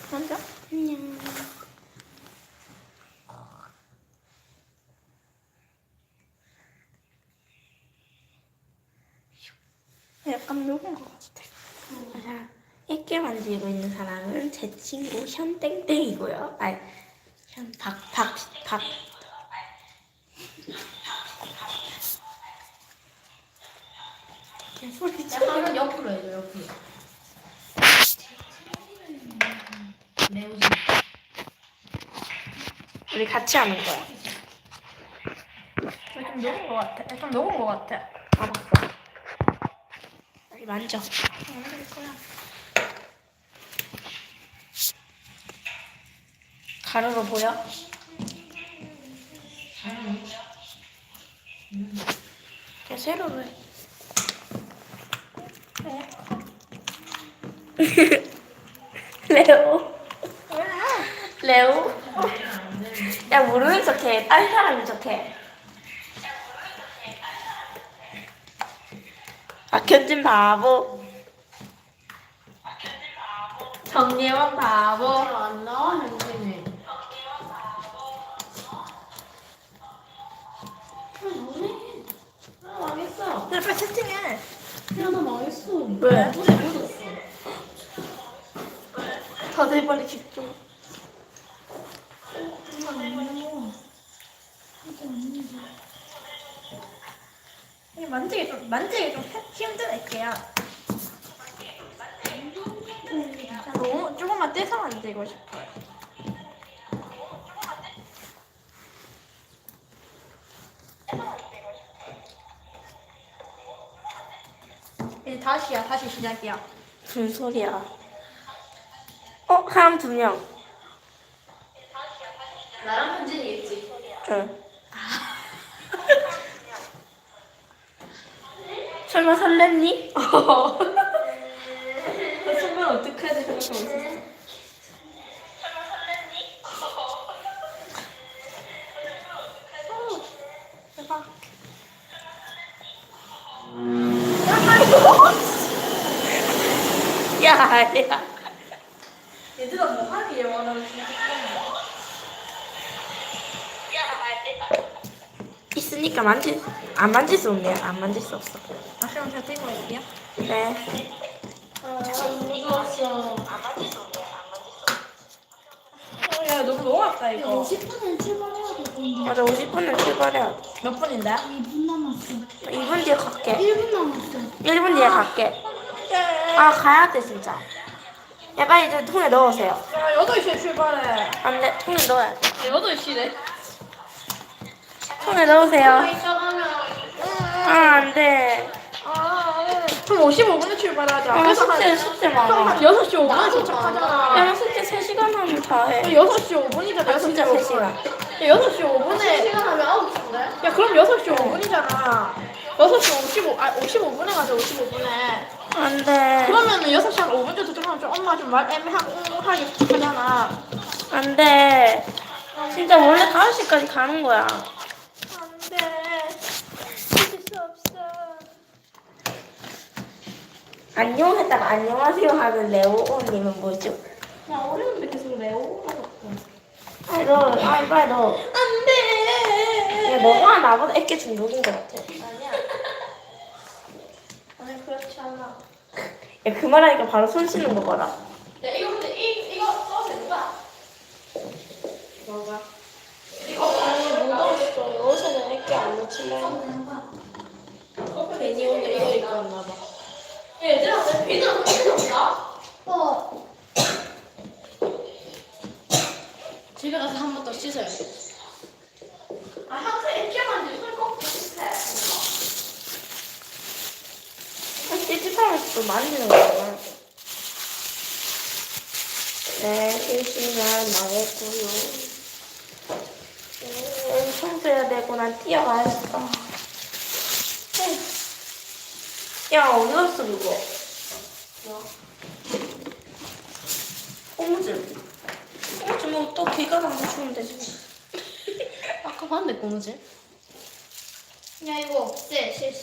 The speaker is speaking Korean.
앉아. 안녕. 약간 녹은 것 같아. 자, 액게 만들고 있는 사람은 제 친구 현땡땡이고요. 아니, 박. 소리 쳐. 약간 옆으로 해줘, 옆으로. 매우지. 우리 같이 하는 거야. 좀 녹은 것 같아. 좀 녹은 것 같아. 알았어. 빨리 만져. 만질 거야. 가루로 보여? 그냥 세로로 해. 레오. 레오. 야, 모르는 척해. 딴 사람인 척해. 박현진 바보. 정예원 바보. 안 나와, 현진이. 뭐해? 나 망했어. 야, 빨리 채팅해. 야, 나 망했어. 왜? 물에 묻었어. 다들 빨리 집중. 만지기 좀 힘든 애기야. 너무 조금만 떼서 만지고 싶어요. 이제 다시 시작이야. 무슨 소리야? 사람 2명. 나랑 현진이겠지. 응. 설마 설렜니? 설마 어떡하지 생각하고 있었어. 대박. 야. 얘들아 뭐 하니? 원하는 있으니까 안 만질 수 없네요. 안 만질 수 없어. 그럼 제가 들고 올게요. 네. 무서웠어. 야, 너무 녹았다 이거. 50분에 출발해야 될 건데. 맞아, 50분을 출발해야 돼. 몇 분인데? 2분 남았어. 2분 뒤에 갈게. 1분 남았어. 1분 뒤에 갈게. 아, 가야 돼 진짜. 야, 빨리 이제 통에 넣으세요. 야, 8시에 출발해. 안 돼, 통에 넣어야 돼. 8시래. 통에 넣으세요. 이따 가면. 안 돼. 그럼 55분에 출발하자. 숙제 많아. 6시 5분에 도착하잖아. 야, 숙제 3시간 하면 다 해. 6시 5분이잖아. 아, 진짜 3시간. 야, 6시 5분에. 3시간 하면 9시인데? 야, 그럼 6시 5분이잖아. 6시 55분에 가자, 55분에. 안 돼. 그러면은 6시 한 5분 정도 도착하면 좀 엄마 좀 말 애매하고 하게 하잖아. 안 돼. 진짜 원래 5시까지 가는 거야. 안 돼. 믿을 수 없어. 안녕 했다가 안녕하세요 하는 레오님은 뭐죠? 야, 어려운데 계속 레오라고. 빨리 너. 안 돼. 야, 너가 나보다 애께 중독인 것 같아. 아니야. 아니, 그렇지 않아. 야, 그 말하니까 바로 손 씻는 거 봐라. 야, 이거 근데 이거 써도 된다. 뭐가? 아니, 묻었어. 요새는 애기 안 놓칠래. 괜히 오늘 이거 입고 왔나 봐. 얘들아, 내 비누 필요 없나? 집에 가서 한 번 더 씻어야 돼. 아, 항상 애기만 이제 손꼭 씻어. 찝찝하면서 또 만지는 거야. 네, 실시간 망했고요. 청소해야 되고 난 뛰어가야겠다. 야, 어디 갔어 그거? 고무줄. 고무줄 뭐또 길가 가서 주면 되지. 아까 봤는데, 꼬무지? 야, 이거, 쎄, 실시.